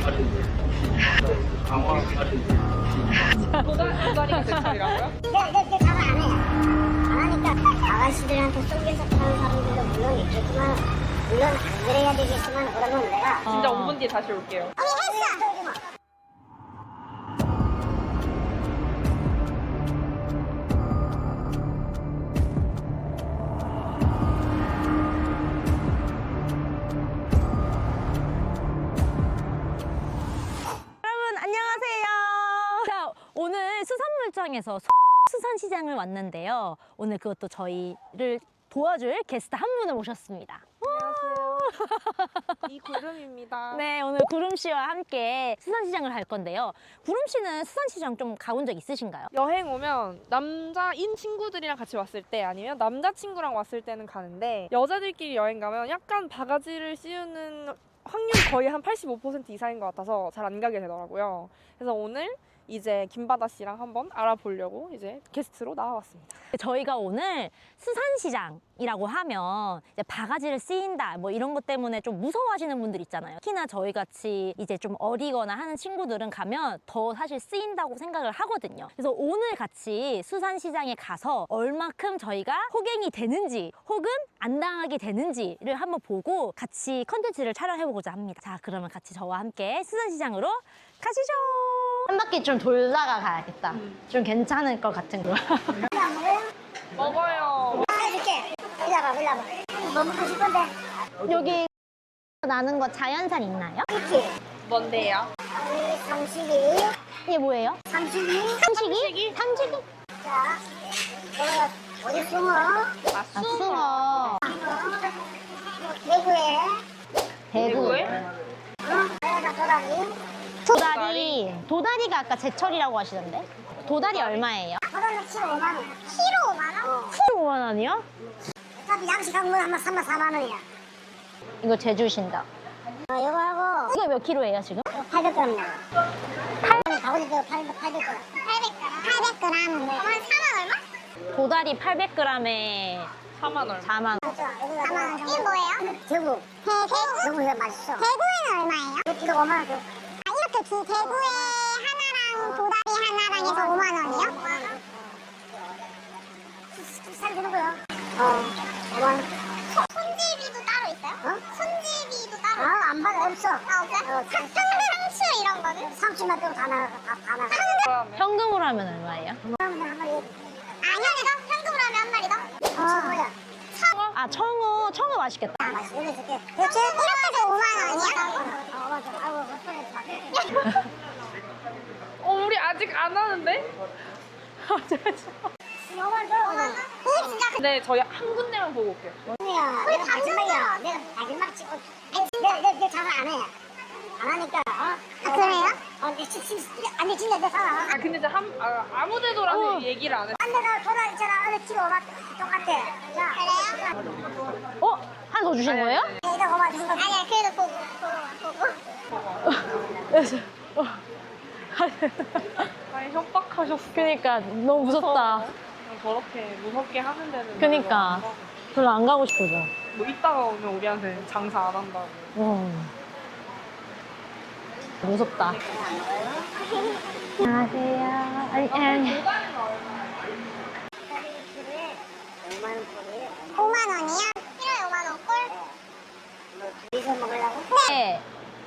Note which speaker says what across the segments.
Speaker 1: 도다리가 제철이라고요?
Speaker 2: 내 가방 안 해요. 안 하니까 아가씨들한테 속여서 파는 사람들도 물론 있겠지만 물론 안 그래야 되겠지만 그러면 내가
Speaker 1: 진짜 5분 뒤에 다시 올게요.
Speaker 2: 언니 했어!
Speaker 3: 여러분 안녕하세요. 자, 오늘 수산물장에서 수산시장을 왔는데요. 오늘 그것도 저희를 도와줄 게스트 한 분을 모셨습니다.
Speaker 1: 안녕하세요. 이구름입니다.
Speaker 3: 네, 오늘 구름 씨와 함께 수산시장을 갈 건데요. 구름 씨는 수산시장 좀 가본 적 있으신가요?
Speaker 1: 여행 오면 남자인 친구들이랑 같이 왔을 때 아니면 남자친구랑 왔을 때는 가는데 여자들끼리 여행 가면 약간 바가지를 씌우는 확률이 거의 한 85% 이상인 것 같아서 잘 안 가게 되더라고요. 그래서 오늘 이제 김바다 씨랑 한번 알아보려고 이제 게스트로 나와봤습니다.
Speaker 3: 저희가 오늘 수산시장이라고 하면 이제 바가지를 쓰인다 뭐 이런 것 때문에 좀 무서워하시는 분들 있잖아요. 특히나 저희 같이 이제 좀 어리거나 하는 친구들은 가면 더 사실 쓰인다고 생각을 하거든요. 그래서 오늘 같이 수산시장에 가서 얼마큼 저희가 호갱이 되는지 혹은 안 당하게 되는지를 한번 보고 같이 컨텐츠를 촬영해보고자 합니다. 자, 그러면 같이 저와 함께 수산시장으로 가시죠. 한 바퀴 좀 돌다가 가야겠다. 좀 괜찮을 것 같은 거.
Speaker 1: 먹어요.
Speaker 2: 이렇게 일러봐 뭐 먹고 싶은데
Speaker 3: 여기 나는 거 자연산 있나요?
Speaker 2: 있지?
Speaker 1: 뭔데요?
Speaker 2: 삼식이
Speaker 3: 이게 뭐예요?
Speaker 2: 삼식이
Speaker 3: 삼식이? 삼식이?
Speaker 2: 자 어디 숭어
Speaker 3: 아, 숭어.
Speaker 2: 대구에
Speaker 3: 대구.
Speaker 2: 도다리
Speaker 3: 도다리가 아까 제철이라고 하시던데? 도다리 얼마예요?
Speaker 2: 도다리 키로 5만 원 키로 5만 원?
Speaker 3: 키로 5만 원이요?
Speaker 2: 어차피 양식 한 번 하면 3만 4만 원이야
Speaker 3: 이거 제주신다.
Speaker 2: 이거 하고
Speaker 3: 이거 몇 킬로예요 지금?
Speaker 2: 800g 나와 800g 800g 800g 4만 얼마?
Speaker 3: 도다리 800g에
Speaker 1: 4만 얼마?
Speaker 3: 4만 원.
Speaker 2: 4만 원 이게 뭐예요? 대구 대구 이거 맛있어 대구에는 얼마예요? 1kg 5만 원 줘. 이렇게 대구에 하나랑 도다리 하나랑 해서 5만 원이요? 살 주는 거야 5만 원 손질비도 따로 있어요? 손질비도 따로 있어요? 안 받아 없어 없어요? 상추 이런 거는? 상추만 빼고 다 나가 다 나가
Speaker 1: 그러면
Speaker 3: 현금으로 하면 얼마예요?
Speaker 2: 한 마리 현금으로 하면 한 마리 더? 뭐야?
Speaker 3: 아, 청어 맛있겠다.
Speaker 2: 맛있어 여기 줄게 그렇지? 이렇게 해서 5만 원이야? 맞아 아이고 못 보냈어
Speaker 1: 우리 아직 안 하는데?
Speaker 2: 5만 줘 그게 진짜
Speaker 1: 네, 저희 한 군데만 보고 올게요.
Speaker 2: 뭐야 내가 마지막이야 내가 마지막 찍고 내 장사 안 해. 안 하니까 그래요? 아니 진짜 내 사람
Speaker 1: 아, 근데 이제 아무 데도라는 얘기를 안 해.
Speaker 2: 안 내가 도달 있잖아 어느 키로 막 똑같아 자 그래요?
Speaker 3: 어? 하나 더 주신 거예요?
Speaker 2: 이거 5만 준 거. 아니야 그래도 보고
Speaker 1: 아니, 협박하셨어.
Speaker 3: 그니까 너무 무섭다.
Speaker 1: 저렇게 무섭게 하는 데는
Speaker 3: 그니까 별로 안 가고 싶어져.
Speaker 1: 뭐 이따가 오면 우리한테 장사 안 한다고.
Speaker 3: 무섭다. 안녕하세요. 아니.
Speaker 2: 5만 원이야? 키로에 5만 원 꼴? 둘이서 먹으려고?
Speaker 3: 네.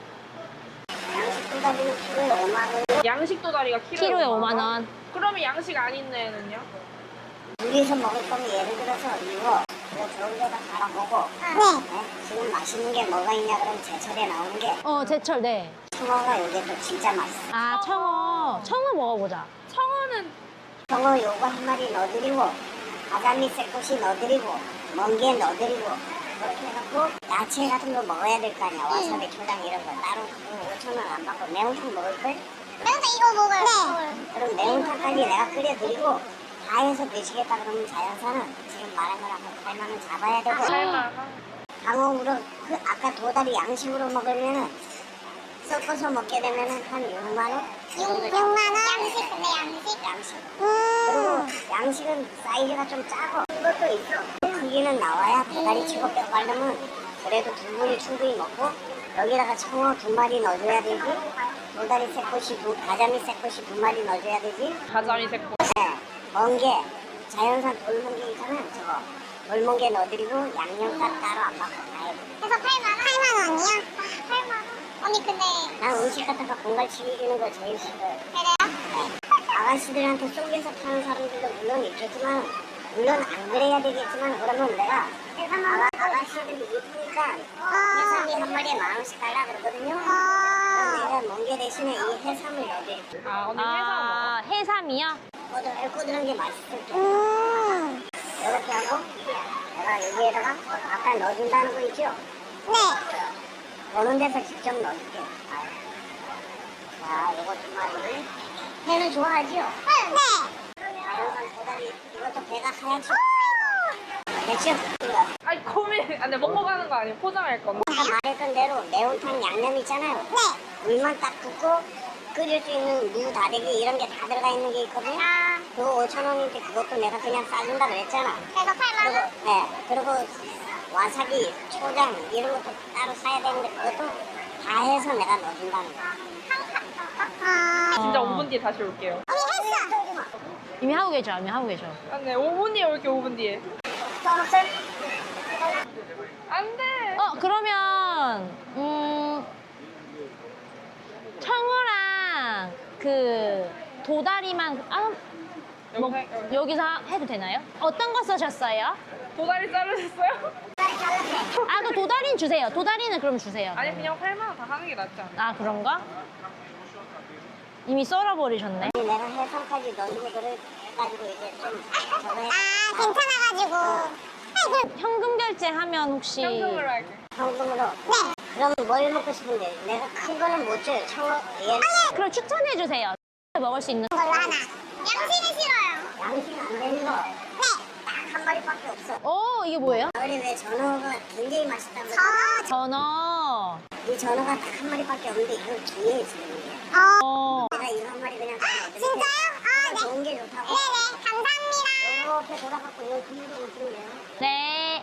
Speaker 2: 양식 도다리는 키로에 5만 원
Speaker 1: 양식 도다리가
Speaker 3: 키로에 5만 원.
Speaker 1: 그러면 양식 아닌 애는요?
Speaker 2: 둘이서 먹을 거면 예를 들어서 이거 좋은 데다 갈아보고 네? 지금 맛있는 게 뭐가 있냐 그러면 제철에 나오는 게
Speaker 3: 제철, 네.
Speaker 2: 청어가 요게 또 진짜 맛있어
Speaker 3: 아, 청어 먹어보자.
Speaker 1: 청어는
Speaker 2: 청어 요거 한 마리 넣어드리고 바다미 새꽃이 넣어드리고 멍게 넣어드리고 그렇게 해갖고 야채 같은 거 먹어야 될 거 아니야 와사비 초장 이런 거 따로 5,000원 안 받고 매운탕 먹을걸? 매운탕 이거 먹어요 네 그럼 매운탕까지 내가 끓여드리고 다 해서 드시겠다 그러면 자연산은 지금 말한 거랑 한 8만 원 잡아야 되고
Speaker 1: 살만
Speaker 2: 방어으로 아까 도다리 양식으로 먹으면은 섞어서 먹게 되면은 한 6만 원? 6만 원? 양식 근데 양식? 그리고 양식은 사이즈가 좀 작고 큰 것도 있어 크기는 나와야 도다리 치고 뼈 바르면 그래도 두 분이 충분히 먹고 여기다가 청어 2마리 넣어줘야 되지. 도다리 새꼬시 가자미 새꼬시 2마리 넣어줘야 되지.
Speaker 1: 가자미 새꼬.
Speaker 2: 네, 멍게 자연산 돌멍게 있잖아요. 저거 돌멍게 넣어드리고 양념값 따로 안 받고 다 해요.
Speaker 4: 그래서 8만 원이요? 8만 원? 언니 근데
Speaker 2: 난 음식 갖다가 공갈치기 주는 거 제일 싫어요.
Speaker 4: 그래요?
Speaker 2: 아가씨들한테 속여서 파는 사람들도 물론 있겠지만 물론 안 그래야 되겠지만 그러면 내가 아가씨들이 이쁘니까 해삼이 한 마리에 10,000원씩 달라 그러거든요. 그럼 내가 멍게 대신에 이 해삼을 넣어드릴게요.
Speaker 1: 아 언니 해삼
Speaker 3: 아, 해삼이요?
Speaker 2: 꼬들꼬들한 게 맛있을 때 이렇게 하고 내가 여기에다가 아까 넣어준다는 거 있죠?
Speaker 4: 네.
Speaker 2: 오는 데서 직접 넣어줄게. 자, 이거 2마리. 회는 좋아하지요?
Speaker 4: 네.
Speaker 2: 자연산 도다리 이것도 배가 하얗죠? 됐죠?
Speaker 1: 아니 고민. 근데 먹고 가는 거 아니에요? 포장할 건데.
Speaker 2: 아까 말했던 대로 매운탕 양념 있잖아요. 물만 딱 붓고 끓일 수 있는 무, 다대기 이런 게 다 들어가 있는 게 있거든요. 그거 5,000원인데 그것도 내가 그냥 싸준다 그랬잖아.
Speaker 4: 그래서 8만 원?
Speaker 2: 네, 그리고 와사비, 초장 이런 것도 따로 사야 되는데 그것도 다 해서 내가 넣어준다는 거야.
Speaker 1: 진짜 5분 뒤에 다시 올게요.
Speaker 3: 이미 하고 계셔, 이미 하고 계셔.
Speaker 1: 안돼 5분 뒤에 올게 5분 뒤에.
Speaker 2: 써먹어요?
Speaker 1: 안돼.
Speaker 3: 그러면 청어랑 그 도다리만
Speaker 1: 여기
Speaker 3: 여기서 해도 되나요? 어떤 거 쓰셨어요?
Speaker 1: 도다리 자르셨어요?
Speaker 3: 아, 그 도다리는 주세요. 도다리는 그럼 주세요.
Speaker 1: 아니 그냥 8만 원 다 하는 게 낫지 않아요?
Speaker 3: 아, 그런가? 이미 썰어버리셨네.
Speaker 2: 내가 해삼까지 넣어주고 그래가지고 이제 좀 저거 해.
Speaker 4: 괜찮아가지고.
Speaker 3: 현금 결제하면 혹시
Speaker 1: 현금으로 할게.
Speaker 2: 현금으로. 네. 그럼 뭘 먹고 싶은데 내가 큰 거는 못 줘요. 청어 얘
Speaker 3: 그럼 추천해 주세요. 먹을 수 있는
Speaker 4: 걸로 하나. 양식은 싫어요.
Speaker 2: 양식 안 되는 거. 딱 한 마리밖에 없어.
Speaker 3: 이게 뭐예요?
Speaker 2: 가을에 왜 전어가 굉장히 맛있다고.
Speaker 3: 전어.
Speaker 2: 이 전어가 딱 한 마리밖에 없는데 이건 뒤에 있는 게. 내가 이거 한 마리 그냥 넣어드릴게.
Speaker 4: 진짜요?
Speaker 2: 좋은 게 좋다고.
Speaker 4: 네네. 감사합니다.
Speaker 2: 이렇게 돌아갖고 이거 그대로 오시면 돼요.
Speaker 3: 네.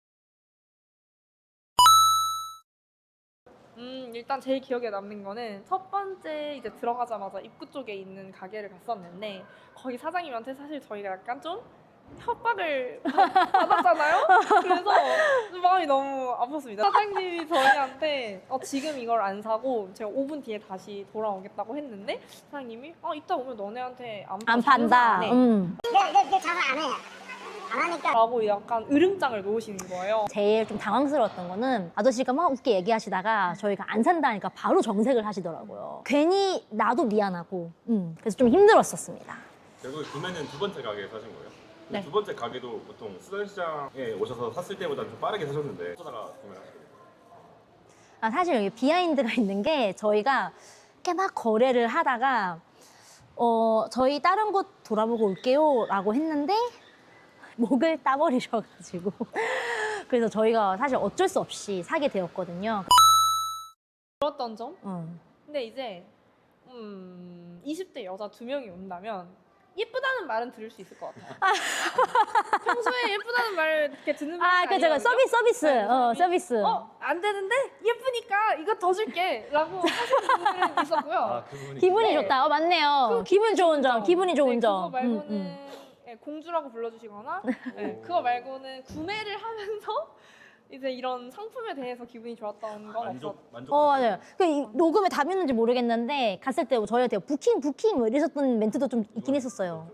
Speaker 1: 일단 제일 기억에 남는 거는 첫 번째 이제 들어가자마자 입구 쪽에 있는 가게를 갔었는데 거기 사장님한테 사실 저희가 약간 좀 협박을 받았잖아요. 그래서 마음이 너무 아팠습니다. 사장님이 저희한테 지금 이걸 안 사고 제가 5분 뒤에 다시 돌아오겠다고 했는데 사장님이 이따 오면 너네한테
Speaker 3: 안 판다.
Speaker 1: 안 해.
Speaker 2: 내 장사 안 해. 안 하니까.
Speaker 1: 라고 약간 으름장을 놓으시는 거예요.
Speaker 3: 제일 좀 당황스러웠던 거는 아저씨가 막 웃게 얘기하시다가 저희가 안 산다니까 바로 정색을 하시더라고요. 괜히 나도 미안하고 그래서 좀 힘들었었습니다.
Speaker 5: 결국 구매는 두 번째 가게에 사신 거예요?
Speaker 3: 네.
Speaker 5: 두 번째 가게도 보통 수산시장에 오셔서 샀을 때보다 좀 빠르게 사셨는데 어쩌다가 구매를 하시게 돼요?
Speaker 3: 사실 여기 비하인드가 있는 게 저희가 이렇게 막 거래를 하다가 저희 다른 곳 돌아보고 올게요 라고 했는데 목을 따버리셔가지고 그래서 저희가 사실 어쩔 수 없이 사게 되었거든요.
Speaker 1: 들었던 점? 근데 이제 20대 여자 2명이 온다면 예쁘다는 말은 들을 수 있을 것 같아요. 평소에 예쁘다는 말을 이렇게 듣는 편이
Speaker 3: 그죠.
Speaker 1: 아니거든요.
Speaker 3: 서비스.
Speaker 1: 네,
Speaker 3: 서비스.
Speaker 1: 안 되는데 예쁘니까 이거 더 줄게 라고 하시는 분들은 있었고요.
Speaker 5: 그분이
Speaker 3: 기분이
Speaker 1: 네.
Speaker 3: 좋다. 맞네요. 기분 좋은 점. 기분이 좋은
Speaker 1: 네,
Speaker 3: 점.
Speaker 1: 그거 말고는 네, 공주라고 불러주시거나 네, 그거 말고는 구매를 하면서 이제 이런 상품에 대해서 기분이 좋았던 건 없었어요.
Speaker 5: 만족
Speaker 3: 맞아요. 이 녹음에 답이었는지 모르겠는데 갔을 때 저희한테 부킹 뭐 이랬었던 멘트도 좀 있긴 했었어요.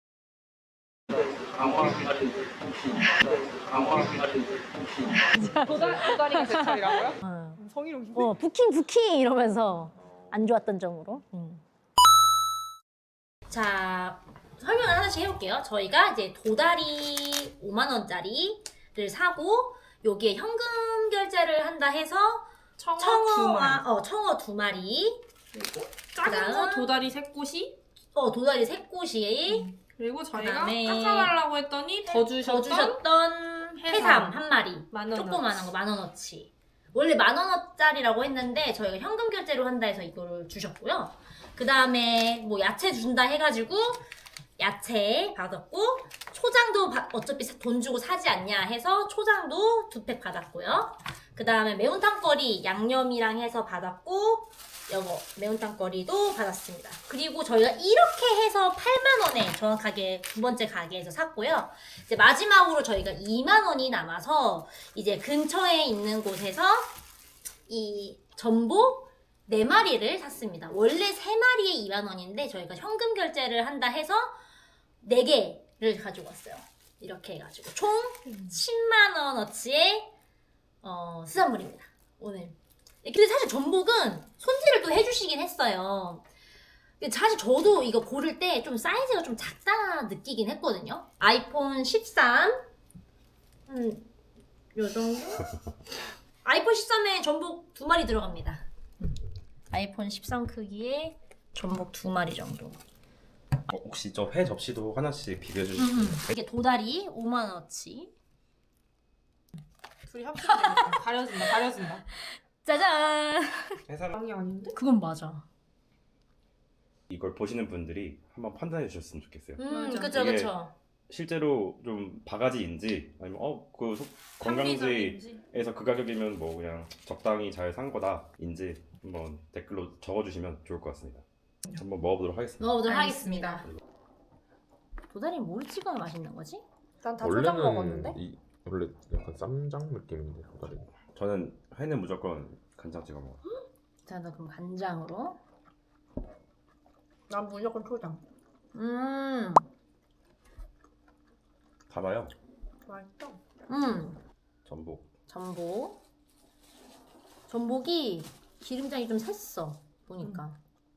Speaker 1: 도다리가 제철이라고요? 성희롱인데?
Speaker 3: 부킹 이러면서 안 좋았던 점으로. 자, 설명을 하나씩 해볼게요. 저희가 이제 도다리 5만 원짜리를 사고 여기에 현금 결제를 한다 해서 청어 두 마리 그리고
Speaker 1: 작은 거 도다리 새꼬시
Speaker 3: 도다리 새꼬시
Speaker 1: 그리고 저희가
Speaker 3: 그다음에
Speaker 1: 깎아달라고 했더니 더
Speaker 3: 주셨던 해삼 한 마리
Speaker 1: 만 원
Speaker 3: 조그만한 거 10,000원어치 원래 10,000원짜리라고 했는데 저희가 현금 결제로 한다 해서 이거를 주셨고요. 그 다음에 뭐 야채 준다 해가지고 야채 받았고 초장도 어차피 돈 주고 사지 않냐 해서 초장도 2팩 받았고요. 그 다음에 매운탕거리 양념이랑 해서 받았고 요거 매운탕거리도 받았습니다. 그리고 저희가 이렇게 해서 8만 원에 정확하게 두 번째 가게에서 샀고요. 이제 마지막으로 저희가 2만 원이 남아서 이제 근처에 있는 곳에서 이 전복 4마리를 샀습니다. 원래 3마리에 2만 원인데 저희가 현금 결제를 한다 해서 4개를 가지고 왔어요. 이렇게 해가지고 총 10만 원어치의 수산물입니다. 오늘. 근데 사실 전복은 손질을 또 해주시긴 했어요. 근데 사실 저도 이거 고를 때 좀 사이즈가 좀 작다 느끼긴 했거든요. 아이폰 13 요 정도? 아이폰 13에 전복 2마리 들어갑니다. 아이폰 13 크기의 전복 2마리 정도.
Speaker 5: 혹시 저 회 접시도 하나씩 비벼 주시면
Speaker 3: 이게 도다리 5만 원어치.
Speaker 1: 둘이 합쳐지니까 가려진다.
Speaker 3: 짜잔.
Speaker 5: 해삼
Speaker 1: 양이 아닌데?
Speaker 3: 그건 맞아.
Speaker 5: 이걸 보시는 분들이 한번 판단해 주셨으면 좋겠어요.
Speaker 1: 맞아.
Speaker 3: 그쵸
Speaker 5: 이게
Speaker 3: 그쵸.
Speaker 5: 실제로 좀 바가지인지 아니면 관광지에서 그 가격이면 뭐 그냥 적당히 잘 산 거다인지 한번 댓글로 적어주시면 좋을 것 같습니다. 한번 먹어보도록 하겠습니다.
Speaker 3: 넣어보도록
Speaker 1: 알겠습니다.
Speaker 3: 하겠습니다. 도다리 뭘 찍어야 맛있는 거지?
Speaker 1: 난 다 초장
Speaker 6: 원래는
Speaker 1: 먹었는데?
Speaker 6: 원래 약간 쌈장 느낌인데 도다리.
Speaker 5: 저는 회는 무조건 간장 찍어 먹어요.
Speaker 3: 자, 나 그럼 간장으로.
Speaker 1: 난 무조건 초장.
Speaker 5: 달아요.
Speaker 1: 맛있어.
Speaker 5: 전복.
Speaker 3: 전복이 기름장이 좀 샜어 보니까.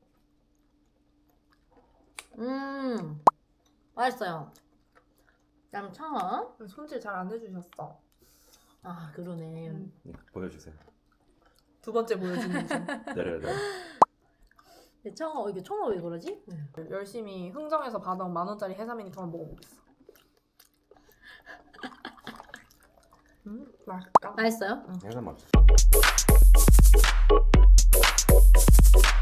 Speaker 3: 맛있어요. 그다음 청어.
Speaker 1: 손질 잘 안 해주셨어.
Speaker 3: 아 그러네.
Speaker 5: 보여주세요.
Speaker 1: 두 번째 보여주는 중.
Speaker 5: 내려야 돼요.
Speaker 3: 근데 청어 이게 청어 왜 그러지?
Speaker 1: 열심히 흥정해서 받아온 10,000원짜리 해삼이니까 한번 먹어보겠어. 맛있다.
Speaker 3: 맛있어요?
Speaker 5: 해삼 맞죠?